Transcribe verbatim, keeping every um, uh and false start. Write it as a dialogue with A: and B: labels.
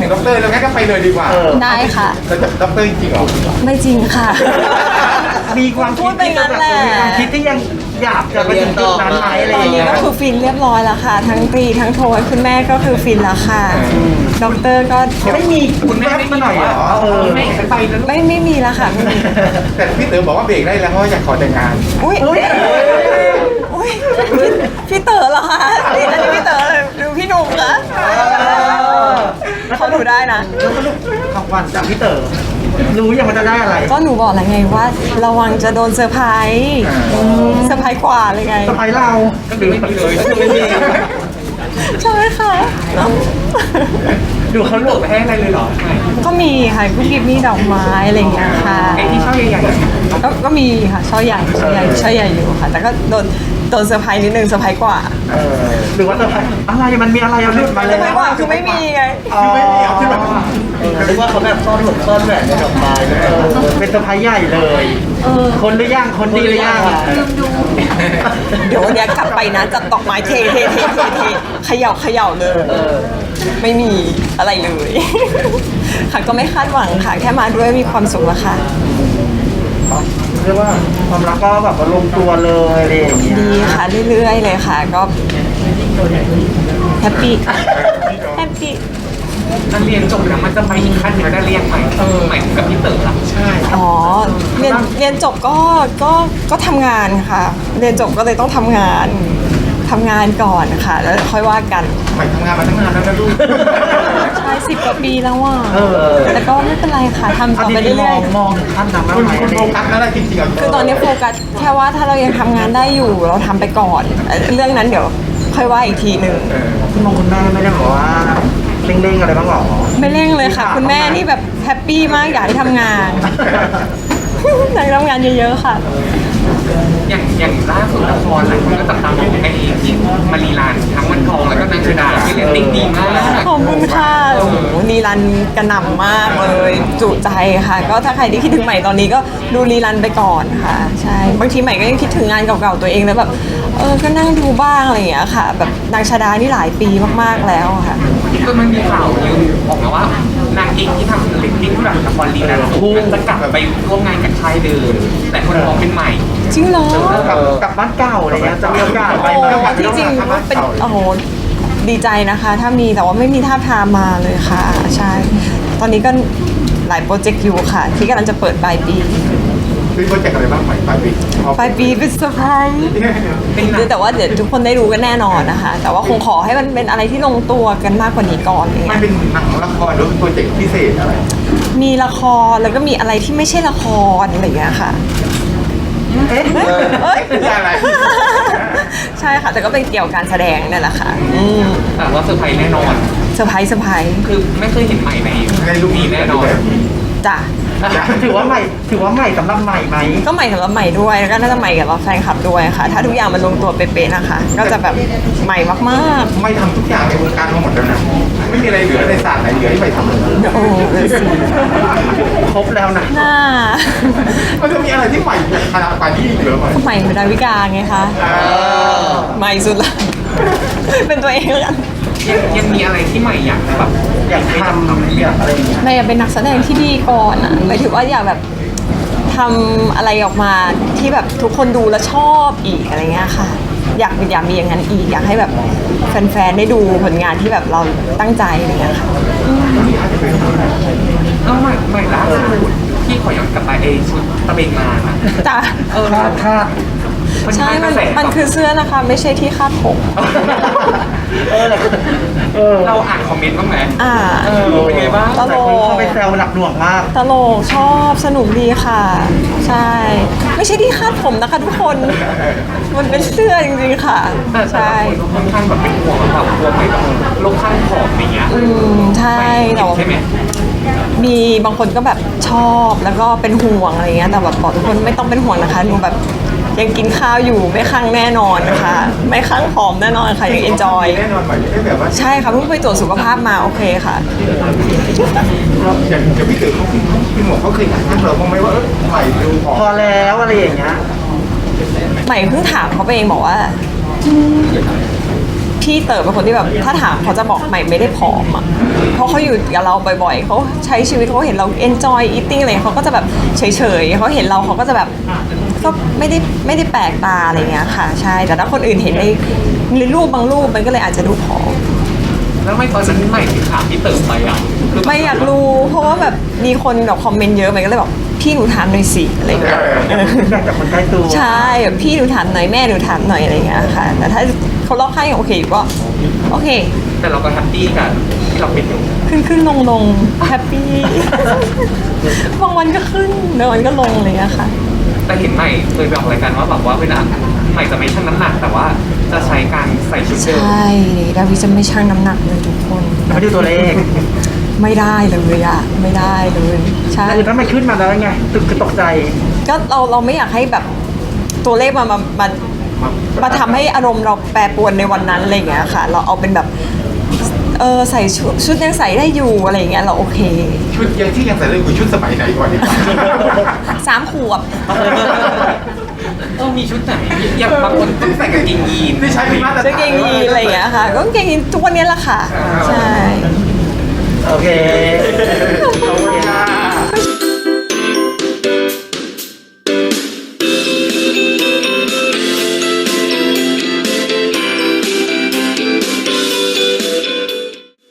A: ด็อกเตอร์แล้วงั้นก็ไปเลยดีกว่า
B: ได้ค่ะ
A: แล้วจะด็อกเตอร์จริงเหรอ
B: ไม่จริงค่ะ
C: มีความ
B: พู
C: คิ
B: ด
C: ด
B: ไป
C: ที่จะ
B: งั้น
C: แบบ
B: แหละ
C: มีความคิดที่ยังอยากจะไปถึงจุดนั้นไหมอะไร
B: ต
C: อ
B: อน
C: ย่าง
B: นี้
C: เงี้ย
B: ก็คือฟินเรียบร้อยแล้วค่ะ ทั้งตรีทั้งโทยคุณแม่ก็คือฟินแล้วค่ะด็อกเตอร์ก็
C: ไม่มีคุณแม่มาหน่อยเหรอเออ
A: ไม่ไปนะ
B: ไม่ไม่มีแล้วค่ะไม่มี
A: แต่พี่เต๋อบอกว่าเบรกได้แล้วเพราะว่าอยากขอแต่งงาน
B: อุ้ย
C: อุ๊ย
B: อุ้ยพี่พี่เต๋อเหรอคะนี่อันนี้พี่เต๋อเลยดูพี่หนุ่มคะเขาดูได้นะ
C: แล้วสรุปของขวัญจากพี่เต๋อรู้ยังมันจะได้อะไร
B: ก็หนูบอกแล้วไงว่า ระวังจะโดนเซอร์ไพรส์อืมเซอร์ไพรส์กว่าเลยไง
C: สะพายเรา
A: ก็คือไม่มีเลยไม่มี
B: ใช่ค่ะ
C: ดูเขาหลบ
A: ไปให้อะไรเลยเหรอ
B: ก็มีค่ะกุ๊กกิ๊บมีดอกไม้อะไรอย่างเงี้ยค่ะ
A: ไอ้ที่ช่อใหญ่
B: ก็ก็มีค่ะช่อใหญ่ช่อใหญ่ช่อใหญ่อยู่ค่ะ แต่ก็โดนโดนเซอร์ไพรส์นิดนึงเซอร์ไพรส์กว่า
C: เออหรือว่าสะพายอะไรมันมีอะไรเอาหลุดมา
B: เซ
C: เล
B: อย ร์ไพรส์กว่าคือไม่มีไง
C: อ๋อไม่มีเอาขึ้นมาหรือว่าเขาแบบซ่อนหลบซ่อนแหวนในดอกไม้เออเป็นสะพายใหญ่เลยคนหรือยังคนดีหรือยัง
B: เดี๋ยววันเนี้ยกลับไปนะจับดอกไม้เทเทเทเทเทเขย่าเขย่าเลย ไม่มีอะไรเลย ค่ะก็ไม่คาดหวังค่ะ แค่มาด้วยมีความสุขแล้วค่ะ
C: เรียกว่าความรักก็แบบว่าลงตัวเลยอะไรอย่างเงี้ย
B: ดีค่ะเรื่อยๆเลยค่ะ ก็แฮปปี้แฮปปี้
D: ๆนักเรียนจบแล้วมันจะไปอีกขั้นหนึ่งได้เรียนใหม่ใหม่กับพี่เต๋อละใช่
B: อ๋อเรียนเรียนจบก็ก็ก็ทำงานค่ะ เรียนจบก็เลยต้องทำงานทำงานก่อนค่ะ แล้วค่อยว่ากัน
A: ๆใหม่ทำงานมาตั้งนานแล้วนะลูก
B: ใช่สิบกว่าปีแล้วว่ะ
C: เออ
B: แต่ก็ไม่เป็นไรค่ะทำ
C: เอา
B: ต่อไป
C: ดีๆม
B: เรื่
C: อ
B: อย
C: งมองถึงขั้นนั้น
A: คุณ
C: ไหม
A: คุณโฟกัสนั่นแหละจริงๆอ่ะ
B: ๆคือตอนนี้โฟกัสแค่ว่าถ้าเรายังทำงานได้อยู่เราทำไปก่อนเอ่อเรื่องนั้นเดี๋ยวค่อยว่าอีกทีหนึ่ง
C: คุณมองคุณแม่ไม่ได้บอกว่าเร่งๆอะไรบ้างหรอ
B: ไม่เร่งเลยค่ะ คุณแม่นี่แบบแฮปปี้มากอยากให้ทำงาน อยากให้ทำงานเยอะๆค่ะ
D: อย่างอย่างล่าสุดละครหลายคนก็จับตามองไอ้ที่มารีลานทั้งวันทองแล้วก็นางชดาที่เรตติ้งดีมาก
B: ขอบคุณค่ะโอ้โหรีรันกระหน่ำมากเลย จุใจค่ะ ก็ถ้าใครที่คิดถึงใหม่ตอนนี้ก็ดูรีรันไปก่อนค่ะ ใช่ บางทีใหม่ก็ยังคิดถึงงานเก่าๆตัวเองแล้วแบบ เออ ก็นั่งดูบ้างอะไรอย่างเงี้ยค่ะ แบบนางชดานี่หลายปีมากๆแล้วค่ะ
D: ก็มันมีข่าวลือออกมาว่านางเอกที่ทำเรตติ้งแบบละครรีลานคู่จะกลับไปร่วมงานกับค่ายเดิมแต่คนมองเป็นใหม่
B: จริงเหรอ
C: กลับกลับบ้านเก่าอะไรเงี้ยจะมีโอกาสไปไหม
B: โอ้ที่จริงเป็นโอ้โหดีใจนะคะ ถ้ามีแต่ว่าไม่มีท่าบทามมาเลยค่ะ ใช่ ตอนนี้ก็หลายโปรเจกต์อยู่ค่ะ ที่กำลังจะเปิดปลายปี
A: มีโปรเจกต์อะไรบ้างใหม่ปลายปี
B: ปลายปีเป็นเซอร์ไพรส์แต่ว่าเดี๋ยวทุกคนได้รู้กันแน่นอนนะคะ แต่ว่าคงขอให้มันเป็นอะไรที่ลงตัวกันมากกว่านี้ก่อนอย่าง
A: มั
B: เงี้
A: น
B: ย
A: เป็นหนังละครหรือเป็นโปรเจกต์พิเศษอะไร
B: มีละครแล้วก็มีอะไรที่ไม่ใช่ละครอะไรอย่างเงี้ยค่ะ
C: เอ๊ะ
B: เอ้ย
A: อะไร
B: ใช่ค่ะ แต่ก็เป็นเกี่ยวกับการแสดงนั่นแหละค่ะอืม
D: แต่ว่าเซอร์ไพรส์แน่นอน
B: เซอร์ไพรส์เซอร์ไพรส์
D: คือไม่เคยเห็นใหม่ใน
A: ในลูก
D: นี้แน่นอน
B: จ้ะ
C: ถือว่าใหม่ถือว่าใหม่สำหรับใหม่ไหม
B: ก็ใหม่สำหรับใหม่ด้วยแล้วก็น่าจะใหม่กับเราแฟนคลับด้วยค่ะ ถ้าทุกอย่างมันลงตัวเป๊ะๆนะคะ ก็จะแบบใหม่มาก
A: ไม่ทำทุกอย่างในวงการมาหมดแล้วนะไม่มีอะไรเหลือในศาสตร์ไหนเหลือที่ไปทำเลย
B: ๆโอ้เลยสิ
C: ครบแล้วนะ
B: น่า
A: มันจะมีอะไรที่ใหม่ขนาดกว่านี้อีกเหรอใหม่
B: ใหม่เป็นดาวิกาไงคะใหม่สุดละ เป็นตัวเองแล้วกัน
D: ยังยังมีอะไรที่ใหม่อยากแบบ
C: อยากทำอยากอะไรอย่างเงี้ย
B: ใหม่อยากเป็นนักแสดงที่ดีก่อนอ่ะหมายถึงว่าอยากแบบทำอะไรออกมาที่แบบทุกคนดูแล้วชอบอีกอะไรเงี้ยค่ะ อยากอยากมีอย่างนั้นอีกอยากให้แบบแฟนๆได้ดูผลงานที่แบบเราตั้งใจอะไรเงี้ยค่ะ
D: เอ้าใหม่ใหม่ล่าสุดที่ขอย้อนกลับไปไอ้ชุดตะเบงมาอะ
B: จ้ะ
D: เออ
C: คาดคาด
B: ใช่ มัน
D: กระแส
B: มันคือเสื้อนะคะ ไม่ใช่ที่คาดผม
C: เออเออ
D: เราอ่านคอมเมนต์บ้างไหม
B: อ่า
D: เออเป็นไงบ้าง
B: ตล
C: แต่
B: ก
C: คนเข้าไปแซวหนักหน่วงมาก
B: ตลกชอบสนุกดีค่ะ ใช่ ไม่ใช่ที่คาดผมนะคะทุกคน มันเป็นเสื้อจริงๆค่ะ
D: แต่แต่
B: ใช่
D: ละคนก็ค่อนข้างแบบเป็นห่วงแบบกลัวไม่แบบโรคข้างผอมอย่างเงี้ย
B: อืมใช่แต่ว่า
D: ใช่ไหม
B: มีบางคนก็แบบชอบแล้วก็เป็นห่วงอะไรเงี้ยแต่แบบบอกทุกคนไม่ต้องเป็นห่วงนะคะหนูแบบยังกินข้าวอยู่ไม่คลั่งแน่นอนนะคะไม่คลั่งผอมแน่นอนค่ะยังเอนจอย
A: แน่นอนใหม่ไม่ได้แบบว่า
B: ใช่ค่ะเพิ่งไปตรวจสุขภาพมาโอเคค่ะ
A: อย่างอย่างพี่เต๋อเขาพี่หมวกเขาเคยถามเราบ้างไหมว่าเออใหม่ดูออก
C: พอแล้วอะไรอย่างเงี้ย
B: ใหม่เพิ่งถามเขาไปเองบอกว่า พี่พี่เต๋อเป็นคนที่แบบถ้าถามเขาจะบอกใหม่ไม่ได้ผอมอ่ะเพราะเขาอยู่กับเราบ่อยๆเขาใช้ชีวิตเขาเห็นเรา enjoy eating อะไรเขาก็จะแบบเฉยๆเขาเห็นเราเขาก็จะแบบก็ไม่ได้ไม่ได้แปลกตาอะไรเงี้ยค่ะใช่แต่ถ้าคนอื่นเห็นในในรูปบางรูปมันก็เลยอาจจะดูผอม
D: แล้วไม่ตอนนั้นใหม่ถึงถามพี่เติมไปอ่ะคือ
B: ไม่อยากรู้เพราะว่าแบบมีคนแบบคอมเมนต์เยอะใหม่ก็เลยบอกพี่หนูถามหน่อยสิอะไรเงี้ย
C: อยากจากคนใกล้ตัว
B: ใช่แบบพี่หนูถามหน่อยแม่หนูถามหน่อยอะไรเงี้ยค่ะแต่ถ้าเขารอบข้างยังโอเคอยู่ก็โอเค
D: แต่เราก็แฮปปี้กันที่เราเป็นอยู่
B: ขึ้นขึ้นลงลงแฮปปี้ บางวันก็ขึ้นบางวันก็ลงอะไรเงี้ยค่ะ
D: แต่เห็นใหม่เคยบอกรายการว่าแบบว่าเวลาใหม่จะไม่ชั่งน้ำหนักแต่ว่าจะใช้การใส่ชุด
B: ใช
D: เดิม
B: ่ดาวิจะไม่ชั่งน้ำหนักเลยทุกคน
C: ไม่ดูตัวเลข
B: ไม่ได้เลยอะไม่ได้เลยใช่
C: คือถ้ามันขึ้นมาแล้วไงตึกคือตกใจ
B: ก็เราเราไม่อยากให้แบบตัวเลขมามามามาทำให้อารมณ์เราแปรปรวนในวันนั้นอะไรอย่างเงี้ยค่ะ เราเอาเป็นแบบเออใส่ชุดชุดยังใส่ได้อยู่อะไรอย่างเงี้ยเราโอเค
A: ชุดยังที่ยังใส่ได้คือชุดสมัยไหนก่อนดีกว่า
B: สามขวบ
D: เออมีชุดไหนอย่างบางคนต้องใส่กางเกงยีน
A: นี่ใช้เป็นมาตรฐาน
B: กางเกงยีนอะไรอย่างเงี้ยค่ะก็กางเกงยีนทุกวันนี้แหละค่ะใช่
C: โอเคขอบคุณ